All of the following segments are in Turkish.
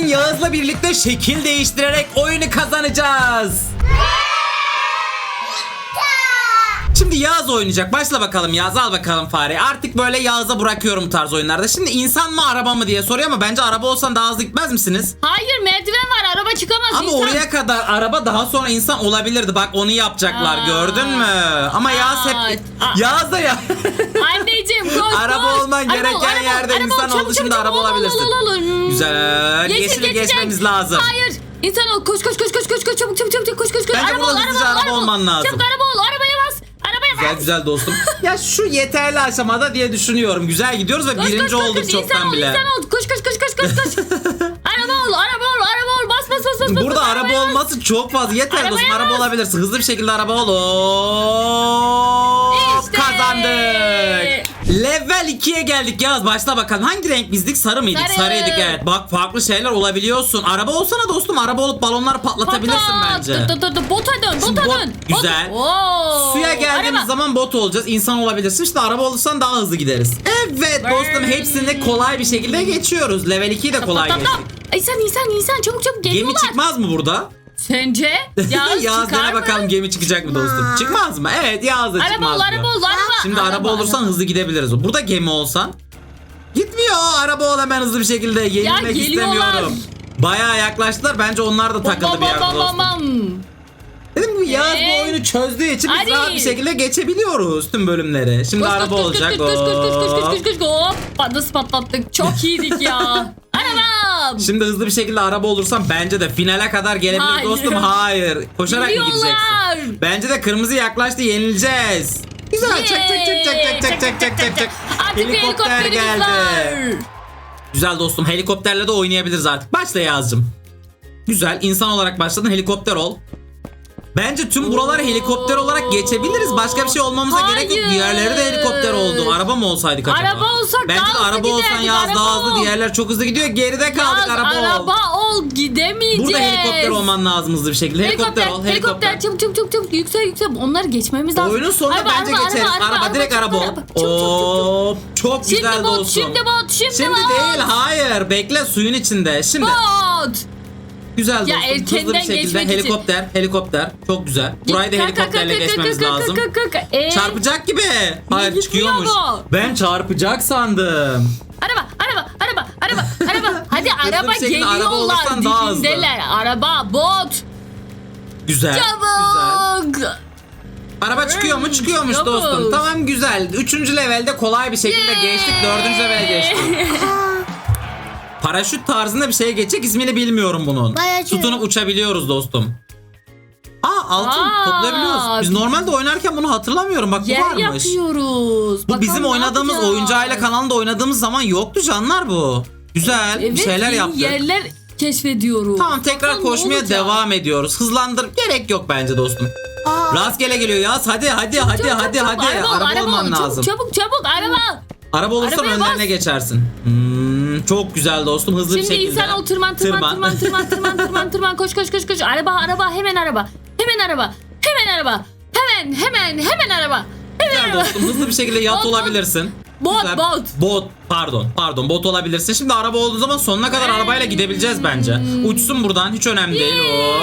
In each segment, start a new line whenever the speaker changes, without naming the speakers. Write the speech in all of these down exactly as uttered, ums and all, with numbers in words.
Yağız'la birlikte şekil değiştirerek oyunu kazanacağız. Şimdi Yağız oynayacak. Başla bakalım Yağız, al bakalım fareyi. Artık böyle Yağız'a bırakıyorum bu tarz oyunlarda. Şimdi insan mı araba mı diye soruyor ama bence araba olsan daha hızlı gitmez misiniz?
Hayır, merdiven var, araba çıkamaz.
Ama
insan.
oraya kadar araba, daha sonra insan olabilirdi. Bak onu yapacaklar,
Aa.
gördün mü? Ama Yağız hep...
Aa.
Yağız da ya...
Anneciğim koş
Araba
koş.
olman
Araba
gereken
ol, araba ol,
yerde
araba ol,
insan
çabuk,
oldu,
çabuk,
şimdi
çabuk,
araba
ol, ol,
olabilirsin.
ol, ol, ol.
Güzel.
Yeşil
Yeşili
geçecek.
geçmemiz lazım.
Hayır. İnsan ol, koş koş koş koş koş koş çabuk çabuk çabuk koş koş koş.
Bence
Araba
burada
ol,
hızlıca
araba ol,
araba
araba ol.
olman lazım.
Çabuk araba ol, arabaya bas. Arabaya
Güzel
bas.
güzel dostum. Ya şu yeterli aşamada diye düşünüyorum. Güzel gidiyoruz ve
Koş,
birinci
koş, koş,
olduk
koş.
çoktan
İnsan ol,
bile.
İnsan ol, koş koş koş koş koş koş. Araba ol, araba ol, araba ol. Bas bas bas bas. bas,
Burada
bas,
araba
arabaya bas.
olması çok fazla. Yeter
Arabaya
dostum, araba
bas.
olabilirsin. Hızlı bir şekilde araba ol. Hop,
İşte.
kazandık. Level ikiye geldik Yağız. Başla bakalım. Hangi renk bizdik? Sarı mıydık?
Sarı.
Sarıydık evet. Bak farklı şeyler olabiliyorsun. Araba olsana dostum. Araba olup balonları patlatabilirsin
Patlat.
bence.
Dı, dı, dı, Bota dön,
Şimdi
bota
bot-
dön.
güzel.
Bot- Oo.
Suya geldiğimiz
Araba.
zaman bot olacağız. İnsan olabilirsin. İşte araba olursan daha hızlı gideriz. Evet dostum, hepsini kolay bir şekilde geçiyoruz. Level ikiyi de kolay
Tap, tap,
geçtik.
tap. İnsan insan insan çabuk çabuk
Gemi
geliyorlar.
çıkmaz mı burada?
Sence? Yağız,
Yağız
çıkar
dene
mı?
bakalım, gemi çıkacak mı dostum? Çıkmaz mı? Evet, Yağız da
Araba
çıkmaz
ol,
diyor.
araba ol, araba.
Şimdi araba, olursan hızlı gidebiliriz. Burada gemi olsan gitmiyor. Araba ol hemen hızlı bir şekilde. Yenilmek
geliyorlar.
istemiyorum. Bayağı yaklaştılar. Bence onlar da takıldı
Bam,
bir
bam,
yerde
bam,
dostum.
bam.
Dedim bu Yağız
Ee?
bu oyunu çözdüğü için biz
Hadi.
rahat bir şekilde geçebiliyoruz tüm bölümleri. Şimdi
Koş,
araba
koş, koş,
olacak.
Koş koş koş koş koş koş
Hop.
koş koş koş. Hop. Nasıl patlattık. Çok iyiydik ya. Arabam.
Şimdi hızlı bir şekilde araba olursan bence de finale kadar gelebilir
Hayır.
dostum. Hayır. Koşarak mı
Geliyorlar.
gideceksin? Bence de kırmızı yaklaştı, yenileceğiz. Güzel. Çak çak çak çak çak çak çak çak çak.
Artık bir helikopterimiz var.
Güzel dostum, helikopterle de oynayabiliriz artık. Başla Yağız'cığım. Güzel, insan olarak başladın, helikopter ol. Bence tüm buraları helikopter olarak geçebiliriz. Başka bir şey olmamıza gerek yok.
Hayır.
Diğerleri de helikopter oldu. Araba mı olsaydık acaba?
Araba olsak
Bence
daha
de
hızlı
araba olsan
giderdik,
Yağız
araba
daha hızlı.
ol.
Diğerler çok hızlı gidiyor. Geride kaldık,
Yağız,
araba, ol.
araba ol, gidemeyeceğiz.
Burada helikopter olman lazım hızlı bir şekilde. Helikopter,
Helikopter,
ol.
helikopter,
Helikopter.
çabuk çabuk çabuk çabuk yüksel yüksel. Onları geçmemiz lazım.
Oyunun sonunda
Araba,
bence
araba,
geçeriz. Araba,
araba,
direkt
araba,
araba ol.
çabuk, çabuk, çabuk, çabuk.
Hop, çok
Şimdi
güzel
bot,
dostum.
şimdi bot, şimdi,
Şimdi
bot.
değil, hayır. Bekle, suyun içinde. Şimdi
Bot.
güzel
Ya
dostum. Hızlı bir
erkenden
şekilde
geçmek için.
helikopter, helikopter. Çok güzel. Burayı da
Kalk, kalk,
helikopterle
kalk, kalk,
geçmemiz
kalk, kalk,
lazım.
kalk, kalk, kalk. Ee?
Çarpacak gibi. Hayır,
gitmiyor
çıkıyormuş.
bu?
Ben çarpacak sandım.
Araba, araba, araba, araba, araba. Hadi araba
bir şekilde araba
geliyorlar.
olursan daha hızlı.
Dibindeler. Araba, bot.
Güzel. Güzel.
Çabuk.
Araba çıkıyor mu? Çıkıyormuş
Çabuk.
dostum. Tamam, güzel. Üçüncü levelde kolay bir şekilde
Yay.
geçtik. Dördüncü levele geçtik. Paraşüt tarzında bir şeye geçecek. İsmini bilmiyorum bunun.
Bayağı şey.
Tutunup uçabiliyoruz dostum. Aa, altın
Aa,
toplayabiliyoruz. Biz normalde oynarken bunu hatırlamıyorum. Bak bu
Yer
varmış.
yapıyoruz.
Bu
Bakalım
bizim
ne
oynadığımız
yapacağız?
oyuncu aile kanalında oynadığımız zaman yoktu canlar bu. Güzel.
Evet,
bir şeyler
yeni
yaptık.
yerler keşfediyoruz.
Tamam, tekrar
Bakalım ne
koşmaya
olacak?
devam ediyoruz. Hızlandır. Gerek yok bence dostum.
Aa.
Rastgele geliyor ya. Hadi hadi hadi
Çabuk,
hadi
çabuk,
hadi.
Araba, ol,
Araba,
araba
olman
ol. Çabuk,
lazım.
Çabuk çabuk araba.
Araba olursan
Arabaya
önlerine
bas.
geçersin. Hmm, çok güzel dostum, hızlı
Şimdi
bir şekilde.
insan ol, tırman tırman tırman tırman tırman tırman tırman koş koş koş koş. Araba araba hemen araba. Hemen araba. Hemen araba. Hemen hemen hemen araba. Hemen
Güzel
araba.
dostum, hızlı bir şekilde yat
Bot, bot.
olabilirsin.
Bot,
Güzel.
bot.
Bot pardon pardon bot olabilirsin. Şimdi araba olduğu zaman sonuna kadar arabayla gidebileceğiz bence. Uçsun buradan, hiç önemli değil. Hop.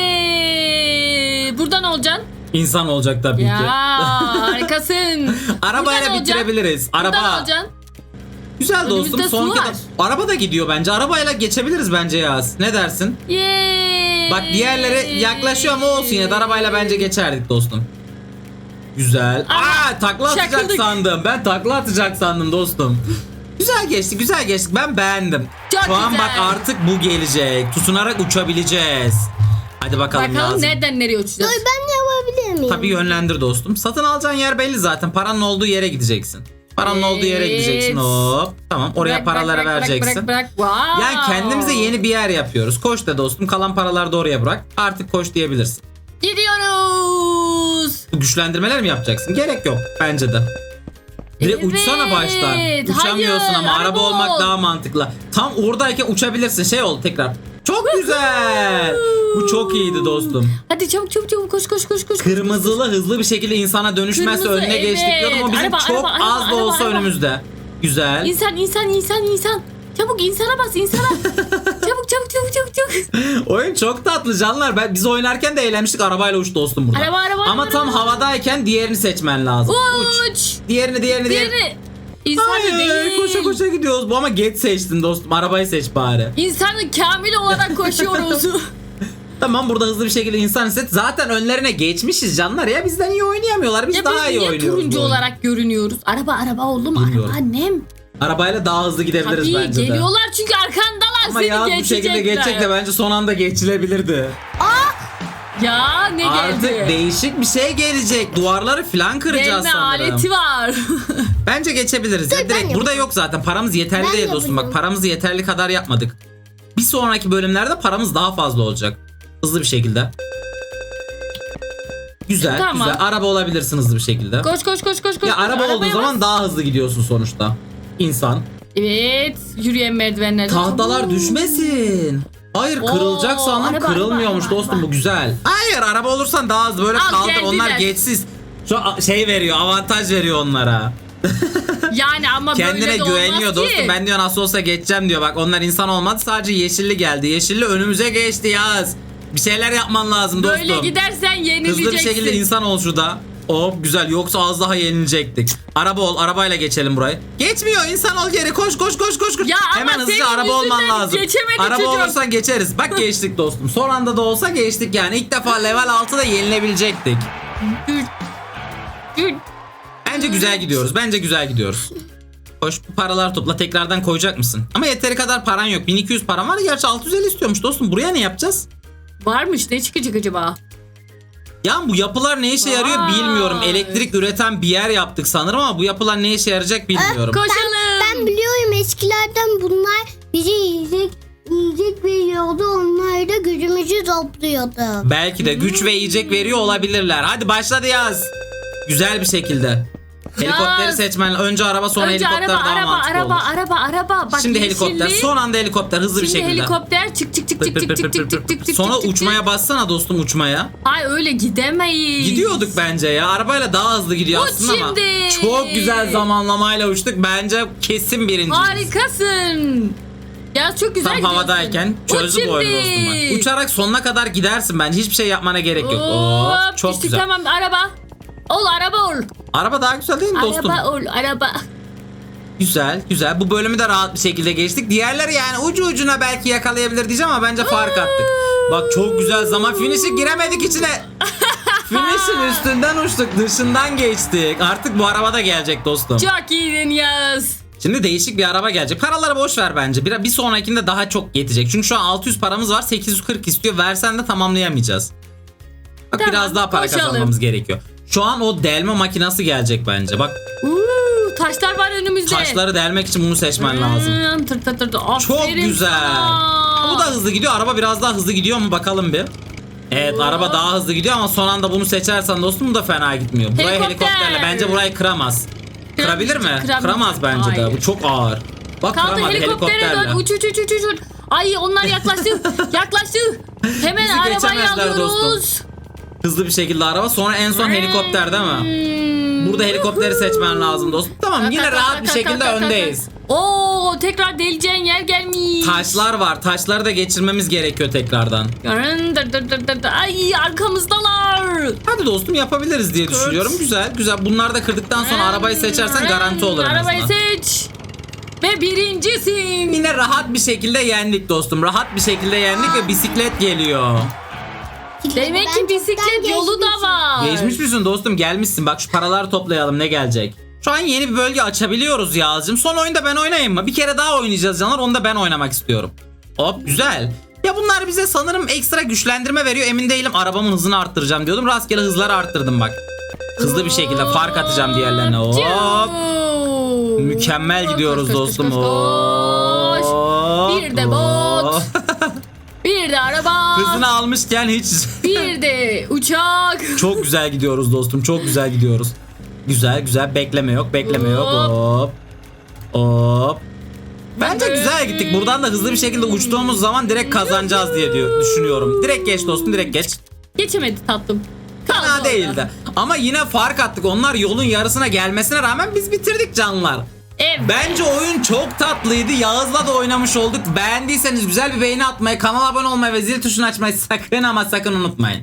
Yeee. Buradan olacaksın.
İnsan olacak tabii
Ya
ki.
harikasın.
Arabayla
Buradan
bitirebiliriz.
olacaksın. Buradan
Araba.
olacaksın.
Güzel dostum.
Önümüzde
Son
su
kez
var.
araba da gidiyor bence. Arabayla geçebiliriz bence Yaz. Ne dersin?
Yeee.
Bak diğerleri yaklaşıyor ama olsun, yine de arabayla bence geçerdik dostum. Güzel.
Ama
Aa, takla atacak
çakıldık.
sandım. Ben takla atacak sandım dostum. Güzel geçti, güzel geçtik. Ben beğendim.
Çok
Şu an
güzel.
bak artık bu gelecek. Tutunarak uçabileceğiz. Hadi bakalım,
Bakalım
Yazım.
nereden nereye uçacağız?
Dur, ben yapabilir miyim?
Tabii yönlendir dostum. Satın alacağın yer belli zaten. Paranın olduğu yere gideceksin. Paranın olduğu yere
Evet.
gideceksin. Hop. Tamam, oraya
Bırak,
paraları
bırak, bırak,
vereceksin.
Bırak, bırak, Wow.
Yani kendimize yeni bir yer yapıyoruz. Koş da dostum, kalan paraları da oraya bırak. Artık koş diyebilirsin.
Gidiyoruz.
Bu güçlendirmeler mi yapacaksın? Gerek yok bence de. Direkt
Evet,
uçsana baştan. Uçamıyorsun
hayır,
ama araba,
araba
olmak
ol.
daha mantıklı. Tam oradayken uçabilirsin. Şey ol tekrar. Çok güzel. Bu çok iyiydi dostum.
Hadi çabuk çabuk çabuk koş koş koş koş.
Kırmızılı hızlı bir şekilde insana dönüşmezse
Kırmızı,
önüne geçtik
evet.
diyordum ama bizim
Araba,
çok
araba,
az
araba,
da olsa
araba, araba.
önümüzde. Güzel.
İnsan insan insan insan. Çabuk insana bas insana. çabuk çabuk çabuk çabuk çabuk çabuk.
Oyun çok tatlı canlar. Ben biz oynarken de eğlenmiştik. Arabayla uç dostum burada.
Araba, araba,
Ama
araba,
tam
araba.
havadayken diğerini seçmen lazım. Uç.
Uç.
Diğerini diğerini diğerini.
Diğeri. İnsanı
Hayır,
değil.
koşa koşa gidiyoruz. Bu ama geç seçtin dostum. Arabayı seç bari.
İnsanı kamil olarak koşuyoruz.
Tamam, burada hızlı bir şekilde insan hisset. Zaten önlerine geçmişiz canlar ya. Bizden iyi oynayamıyorlar. Biz
ya
daha
biz
iyi
niye
oynuyoruz.
turuncu
bu oyunu.
olarak görünüyoruz? Araba araba oğlum,
Bilmiyorum.
araba annem.
Arabayla daha hızlı gidebiliriz
Tabii
bence de.
geliyorlar çünkü arkandalar,
Ama
seni
ya bu
geçecekler.
şekilde geçecek de bence son anda geçilebilirdi.
Ya ne
Artık
geldi?
değişik bir şey gelecek. Duvarları falan kıracağız
Gelme
sanırım.
aleti var.
Bence geçebiliriz. Ya,
ben
direkt burada
yapacağım.
yok zaten. Paramız yeterli
Ben
değil dostum. Bak,
yapacağım.
paramızı yeterli kadar yapmadık. Bir sonraki bölümlerde paramız daha fazla olacak. Hızlı bir şekilde. Güzel,
Tamam.
güzel. Araba olabilirsin hızlı bir şekilde.
koş koş koş koş koş.
Ya
koş.
araba olduğu
Arabaya
zaman
bas.
daha hızlı gidiyorsun sonuçta. İnsan.
Evet, yürüyen merdivenlerde.
Tahtalar
Oo.
düşmesin. Hayır, kırılacak
Oo,
sandım.
araba,
Kırılmıyormuş
araba,
dostum,
araba.
bu güzel. Hayır, araba olursan daha hızlı böyle
Al,
kaldır.
geldiler.
Onlar geçsiz. Şu a- şey veriyor, avantaj veriyor onlara.
Yani ama
Kendine
böyle de
güveniyor
olmaz
dostum.
ki.
Ben diyor nasıl olsa geçeceğim diyor. Bak, onlar insan olmadı, sadece yeşilli geldi. Yeşilli önümüze geçti Yaz. Bir şeyler yapman lazım dostum.
Böyle gidersen yenileceksin.
Hızlı bir şekilde insan ol şurada. Hop, güzel, yoksa az daha yenilecektik. Araba ol, arabayla geçelim burayı. Geçmiyor, insan ol geri, koş koş koş koş koş.
Ya ama
Hemen hızlıca
senin
araba olman
yüzünden
lazım.
geçemedi
Araba
çocuk.
olursan geçeriz. Bak, geçtik dostum. Son anda da olsa geçtik yani. İlk defa level altıda yenilebilecektik.
Dur. Dur.
Bence güzel gidiyoruz. Bence güzel gidiyoruz. Hoş, bu paralar topla, tekrardan koyacak mısın? Ama yeteri kadar paran yok. bin iki yüz param var. Gerçi altı yüz elli istiyormuş dostum. Buraya ne yapacağız?
Varmış, ne çıkacak acaba?
Ya bu yapılar ne işe yarıyor
Vay.
bilmiyorum. Elektrik üreten bir yer yaptık sanırım ama bu yapılar ne işe yarayacak bilmiyorum.
Koşalım.
Ben biliyorum, eskilerden bunlar bize yiyecek yiyecek veriyordu. Onlar da gücümüzü topluyordu.
Belki de güç ve yiyecek veriyor olabilirler. Hadi başladı Yaz. Güzel bir şekilde. Helikopteri
Yaz.
seçmen. Önce araba, sonra
Önce
helikopter
araba
daha
araba
mantıklı
araba
olur.
araba araba. Bak,
Şimdi helikopter,
yeşilli.
son anda helikopter hızlı bir
Şimdi
şekilde.
helikopter çık çık çık çık çık çık çık çık çık çık.
Sonra
çık, çık,
uçmaya
çık.
bassana dostum, uçmaya.
Ay öyle gidemeyiz.
Gidiyorduk bence ya. Arabayla daha hızlı gidiyor
Uç
aslında ama.
şimdi.
Çok güzel zamanlamayla uçtuk. Bence kesin birinciyiz.
Harikasın. Ya çok güzel
Tam
gidiyorsun.
havadayken çözdü
Uç
bu oyunu
şimdi.
dostum bak. Uçarak sonuna kadar gidersin bence. Hiçbir şey yapmana gerek yok.
Hop,
Oo, çok
düştük,
güzel.
Tamam, araba. Ol araba ol.
Araba daha güzel değil mi dostum?
Araba ol araba.
Güzel güzel. Bu bölümü de rahat bir şekilde geçtik. Diğerleri yani ucu ucuna belki yakalayabilir diyeceğim ama bence fark attık. Bak, çok güzel zaman. Finish'i giremedik içine. Finish'in üstünden uçtuk. Dışından geçtik. Artık bu araba da gelecek dostum.
Çok iyiydin Yaz.
Şimdi değişik bir araba gelecek. Paraları boş ver bence. Bir, bir sonrakinde daha çok yetecek. Çünkü şu an altı yüz paramız var. sekiz yüz kırk istiyor. Versen de tamamlayamayacağız. Bak,
Tamam,
biraz daha para
koşalım.
kazanmamız gerekiyor. Şu an o delme makinesi gelecek bence. Bak,
Uuu, taşlar var önümüzde.
taşları delmek için bunu seçmen lazım.
Hmm, tır tır tır tır.
Çok
Aferin
güzel.
sana.
Bu da hızlı gidiyor. Araba biraz daha hızlı gidiyor mu bakalım bir. Evet,
Oo.
araba daha hızlı gidiyor ama son anda bunu seçersen dostum bu da fena gitmiyor. Burayı
Helikopter.
helikopterle bence burayı kıramaz. Kırabilir mi?
Kıramayacak.
Kıramaz bence de.
Hayır.
Bu çok ağır. Bak,
Kaldı,
kıramadı
helikoptere
helikopterle.
dön. Uç uç uç uç uç. Ay, onlar yaklaştı. yaklaştı. Hemen
Bizi
arabayı
geçemezler
alıyoruz.
Hızlı bir şekilde araba, sonra en son helikopter değil mi?
Hmm.
Burada helikopteri seçmen lazım dostum. Tamam, yine rahat bir şekilde öndeyiz.
Oo, tekrar deleceğin yer gelmiş.
Taşlar var. Taşları da geçirmemiz gerekiyor tekrardan.
Dır dır dır dır dır. Ay, arkamızdalar.
Hadi dostum, yapabiliriz diye düşünüyorum. Güzel güzel. Bunları da kırdıktan sonra arabayı seçersen garanti olur en
Arabayı
azından.
seç. Ve birincisin.
Yine rahat bir şekilde yendik dostum. Rahat bir şekilde yendik ve bisiklet geliyor.
Demek
Ben
ki
çoktan
bisiklet yolu da
geçmişim.
var.
Geçmiş misin dostum? Gelmişsin. Bak, şu paraları toplayalım, ne gelecek? Şu an yeni bir bölge açabiliyoruz Yağız'cığım. Son oyunda ben oynayayım mı? Bir kere daha oynayacağız canlar. Onu da ben oynamak istiyorum. Hop, güzel. Ya bunlar bize sanırım ekstra güçlendirme veriyor. Emin değilim. Arabamın hızını arttıracağım diyordum. Rastgele hızları arttırdım bak. Hızlı bir şekilde fark atacağım diğerlerine. Hop. Mükemmel gidiyoruz
Koş, koş,
dostum.
koş, koş.
Hop.
Bir de bot. Bir de araba.
Hızını almışken hiç...
Bir de uçak.
Çok güzel gidiyoruz dostum. Çok güzel gidiyoruz. Güzel güzel. Bekleme yok. Bekleme yok. Hop. Hop. Bence güzel gittik. Buradan da hızlı bir şekilde uçtuğumuz zaman direkt kazanacağız diye diyor, düşünüyorum. Direkt geç dostum. Direkt geç.
Geçemedi tatlım. Kaldı
Fena
orada.
değildi. Ama yine fark attık. Onlar yolun yarısına gelmesine rağmen biz bitirdik canlar.
Evet.
Bence oyun çok tatlıydı. Yağız'la da oynamış olduk. Beğendiyseniz güzel bir beğeni atmayı, kanala abone olmayı ve zil tuşunu açmayı sakın ama sakın unutmayın.